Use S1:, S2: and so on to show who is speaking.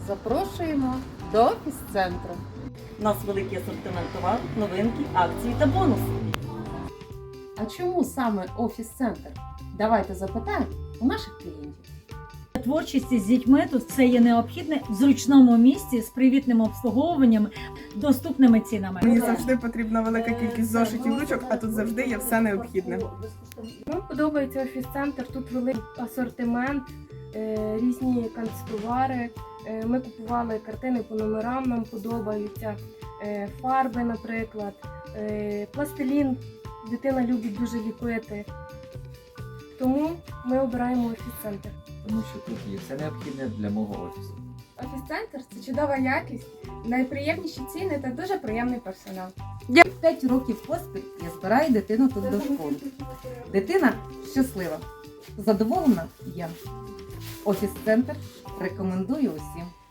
S1: Запрошуємо до офіс-центру.
S2: У нас великий асортимент товару, новинки, акції та бонуси.
S1: А чому саме офіс-центр? Давайте запитаємо у наших клієнтів.
S3: Творчість з дітьми тут це є необхідне в зручному місці з привітним обслуговуванням, доступними цінами.
S4: Мені завжди потрібна велика кількість зошитів, ручок, а тут завжди є все необхідне.
S5: Нам подобається офіс-центр, тут великий асортимент, різні канцтовари. Ми купували картини по номерам, нам подобаються, фарби, наприклад, пластилін. Дитина любить дуже ліпити. Тому ми обираємо офіс-центр.
S6: Тому що тут є все необхідне для мого офісу.
S5: Офіс-центр – це чудова якість, найприємніші ціни та дуже приємний персонал.
S1: 5 років поспіль я збираю дитину тут до школи. Дитина щаслива. Задоволена я. Офіс-центр рекомендую усім.